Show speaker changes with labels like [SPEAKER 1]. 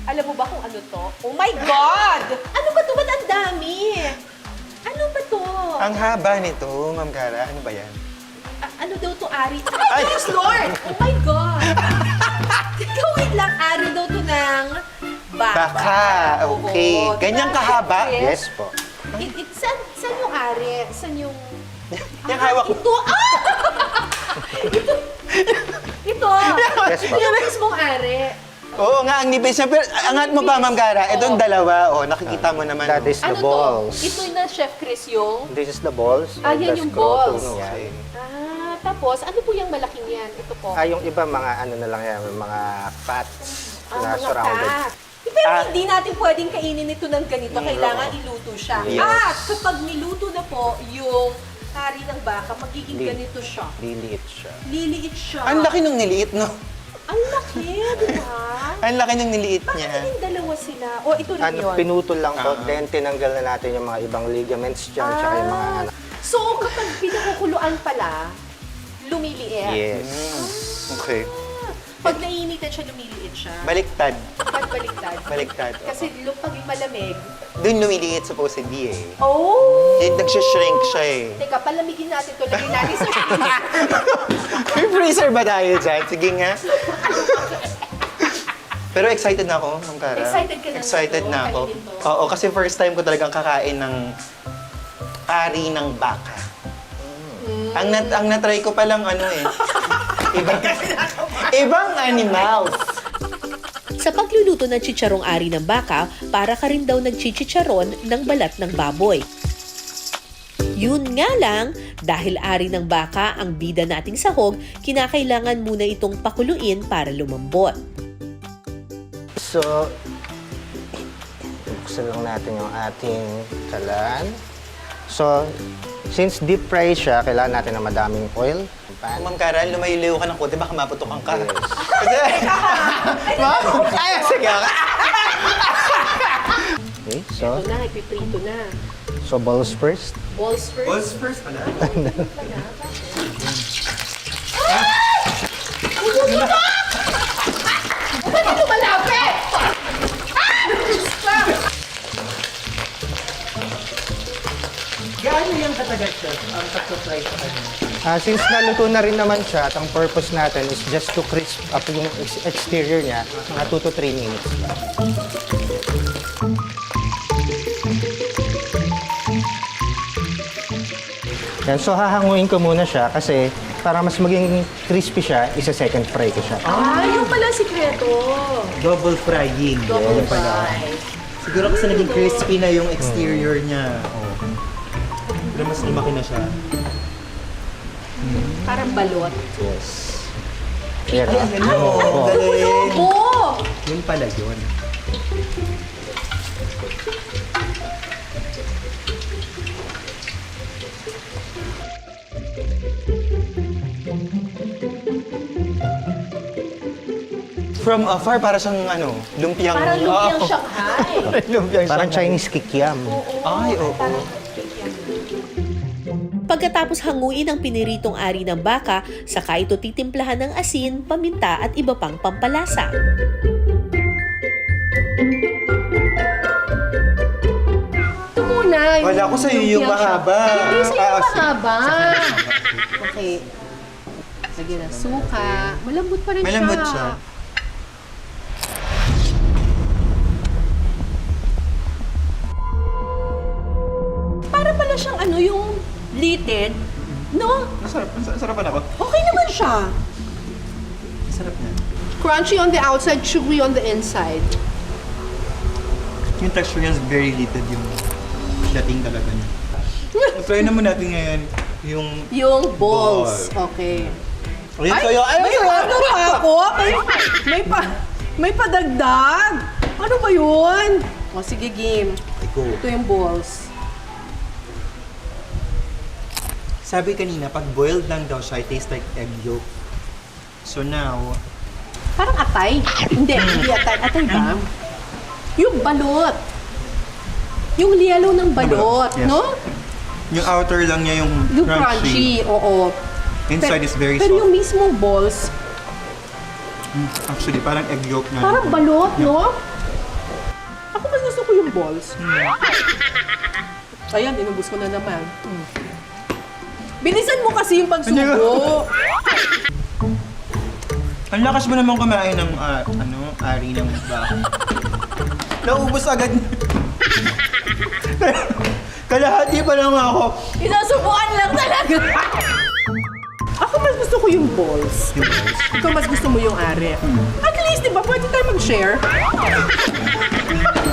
[SPEAKER 1] Alam mo ba kung ano to? Oh my God! Ano ba to? Ba't ang dami? Ano ba to?
[SPEAKER 2] Ang haba nito, Ma'am Cara. Ano ba yan?
[SPEAKER 1] Ano daw to, Ari? Ay, Diyos Lord! Oh my God! Teka, wait lang. Ari daw to ng baka.
[SPEAKER 2] Baka, okay.
[SPEAKER 1] Oo.
[SPEAKER 2] Ganyang
[SPEAKER 1] Diba,
[SPEAKER 2] kahaba?
[SPEAKER 1] Chef?
[SPEAKER 2] Yes po.
[SPEAKER 1] Saan yung Ari? Saan yung...
[SPEAKER 2] Yung hawak ko.
[SPEAKER 1] Ito! Ah! Ito!
[SPEAKER 3] Yes, ma'am.
[SPEAKER 1] Yung mismong Ari.
[SPEAKER 2] Oo nga, ang nipis niya. Pero angat mo pa, Ma'am Cara. Itong dalawa, nakikita mo naman.
[SPEAKER 3] That is the
[SPEAKER 1] Ano
[SPEAKER 3] balls.
[SPEAKER 1] to? Ito na, Chef Chris, yung...
[SPEAKER 3] This is the balls.
[SPEAKER 1] Ah,
[SPEAKER 3] and
[SPEAKER 1] yan
[SPEAKER 3] the
[SPEAKER 1] yung
[SPEAKER 3] scrotum
[SPEAKER 1] balls.
[SPEAKER 3] yan.
[SPEAKER 1] Tapos, ano po yung malaking yan? Ito po.
[SPEAKER 3] Yung iba mga ano na lang yan, mga fats na
[SPEAKER 1] mga
[SPEAKER 3] surrounded.
[SPEAKER 1] fat. Pero hindi natin pwedeng kainin ito ng ganito. Kailangan iluto siya.
[SPEAKER 3] Yes.
[SPEAKER 1] At kapag niluto na po yung hari ng baka, magiging
[SPEAKER 3] Li-
[SPEAKER 1] ganito siya.
[SPEAKER 3] Liliit siya.
[SPEAKER 1] Liliit siya.
[SPEAKER 2] Ang laki nung niliit, no?
[SPEAKER 1] Ang laki, di ba?
[SPEAKER 2] Ang laki nung niliit
[SPEAKER 1] Bakit
[SPEAKER 2] niya.
[SPEAKER 1] naging dalawa sila? O, ito rin yun.
[SPEAKER 3] Pinutol lang to, then tinanggal na natin yung mga ibang ligaments dyan, tsaka yung mga ano.
[SPEAKER 1] So, kapag pinakukuluan pala, lumiliit.
[SPEAKER 3] Yes.
[SPEAKER 2] Okay.
[SPEAKER 1] Pag naiinitan siya, lumiliit siya.
[SPEAKER 2] Baliktad.
[SPEAKER 1] Pag baliktad.
[SPEAKER 2] Baliktad.
[SPEAKER 1] Kasi pag malamig,
[SPEAKER 2] Doon lumiliit supposedly eh.
[SPEAKER 1] oh!
[SPEAKER 2] Nagsishrink siya eh.
[SPEAKER 1] Teka, palamigin natin to. Lagyan natin sa freezer.
[SPEAKER 2] May freezer ba tayo dyan? Sige nga. Pero excited na ako, Ma'am Cara.
[SPEAKER 1] Excited ka na
[SPEAKER 2] Excited
[SPEAKER 1] nito?
[SPEAKER 2] na ako.
[SPEAKER 1] Kainin to?
[SPEAKER 2] Oo, kasi first time ko talagang kakain ng ari ng baka. Ang na-try ko palang ano eh. Ibang animals.
[SPEAKER 4] Sa pagluluto ng chicharong ari ng baka, para ka rin daw nagchichicharon ng balat ng baboy. Yun nga lang, dahil ari ng baka ang bida nating sahog, kinakailangan muna itong pakuluin para lumambot.
[SPEAKER 3] So, buksan lang natin yung ating kalan. So, since deep fry siya, kailangan natin ng madaming oil. Pan.
[SPEAKER 2] Ma'am Cara, lumayo-layo ka ng konti, baka maputokan ka.
[SPEAKER 3] Yes.
[SPEAKER 2] Kasi, Ma'am, ay, sige.
[SPEAKER 3] Okay, so,
[SPEAKER 1] Ito na, ipiprito na.
[SPEAKER 3] so balls first.
[SPEAKER 1] Balls first.
[SPEAKER 2] Balls first pala.
[SPEAKER 1] Ba't ito malapit?
[SPEAKER 2] Gaano yung katagal siya? Ang pag-fry sa kanya?
[SPEAKER 3] Since naluto na rin naman siya, at ang purpose natin is just to crisp up yung exterior niya, mga 2 to 3 minutes. Yan, so hahanguin ko muna siya kasi para mas maging crispy siya, isa-second fry ko siya.
[SPEAKER 1] Yung pala sikreto.
[SPEAKER 2] Double frying.
[SPEAKER 1] Double fry.
[SPEAKER 2] Siguro kasi naging crispy na yung exterior niya. Pero mas lumaki na siya.
[SPEAKER 1] Parang balot.
[SPEAKER 3] Yes. Yan.
[SPEAKER 2] Oo, galing.
[SPEAKER 1] Oh!
[SPEAKER 2] Yun pala yun. From afar, para siyang lumpiang...
[SPEAKER 1] Parang lumpiang
[SPEAKER 2] Oo.
[SPEAKER 1] Shanghai.
[SPEAKER 2] lumpiang
[SPEAKER 3] Parang
[SPEAKER 2] Shanghai.
[SPEAKER 3] Chinese kikiam.
[SPEAKER 2] Ay, oo.
[SPEAKER 1] Parang
[SPEAKER 4] Pagkatapos hanguin ang piniritong ari ng baka, saka ito titimplahan ng asin, paminta at iba pang pampalasa.
[SPEAKER 1] ito muna.
[SPEAKER 2] Wala ko sa'yo yung mahaba.
[SPEAKER 1] Hindi sa'yo
[SPEAKER 2] Ah,
[SPEAKER 1] yung
[SPEAKER 2] sige.
[SPEAKER 1] mahaba. Okay. Sige na, suka. Malambot pa rin
[SPEAKER 2] Malambot
[SPEAKER 1] siya.
[SPEAKER 2] siya.
[SPEAKER 1] Para pala siyang yung litid. No?
[SPEAKER 2] Sarapan ako.
[SPEAKER 1] Okay naman siya.
[SPEAKER 2] Sarap niya.
[SPEAKER 1] Crunchy on the outside, chewy on the inside.
[SPEAKER 2] Yung texture niya is very little yung dating talaga niya. Try naman natin ngayon
[SPEAKER 1] Yung balls. Okay.
[SPEAKER 2] Ayun sa'yo.
[SPEAKER 1] May ano pa ako? May padagdag. Ano ba yun? O sige, game.
[SPEAKER 2] Iko.
[SPEAKER 1] Ito yung balls.
[SPEAKER 2] Sabi kanina, pag boiled lang daw siya, it tastes like egg yolk. So now,
[SPEAKER 1] Parang atay. Hindi atay. Atay ba? Yung balot. Yung yellow ng balot,
[SPEAKER 2] Yes.
[SPEAKER 1] no?
[SPEAKER 2] yung outer lang niya yung
[SPEAKER 1] Crunchy. Oo.
[SPEAKER 2] Inside is very
[SPEAKER 1] Pero
[SPEAKER 2] soft.
[SPEAKER 1] yung mismong balls,
[SPEAKER 2] Actually, parang egg yolk na.
[SPEAKER 1] parang balot, no? Ako mas gusto ko yung balls. Ayan, inubos ko na naman. Bilisan mo kasi yung pagsubo.
[SPEAKER 2] Ang lakas mo naman kumain ng, ari ng baka. Naubos agad. Kalahati pa lang ako.
[SPEAKER 1] Inasubukan lang talaga. Ako mas gusto ko yung balls. Ikaw mas gusto mo yung ari. At least, di ba, pwede tayo mag-share?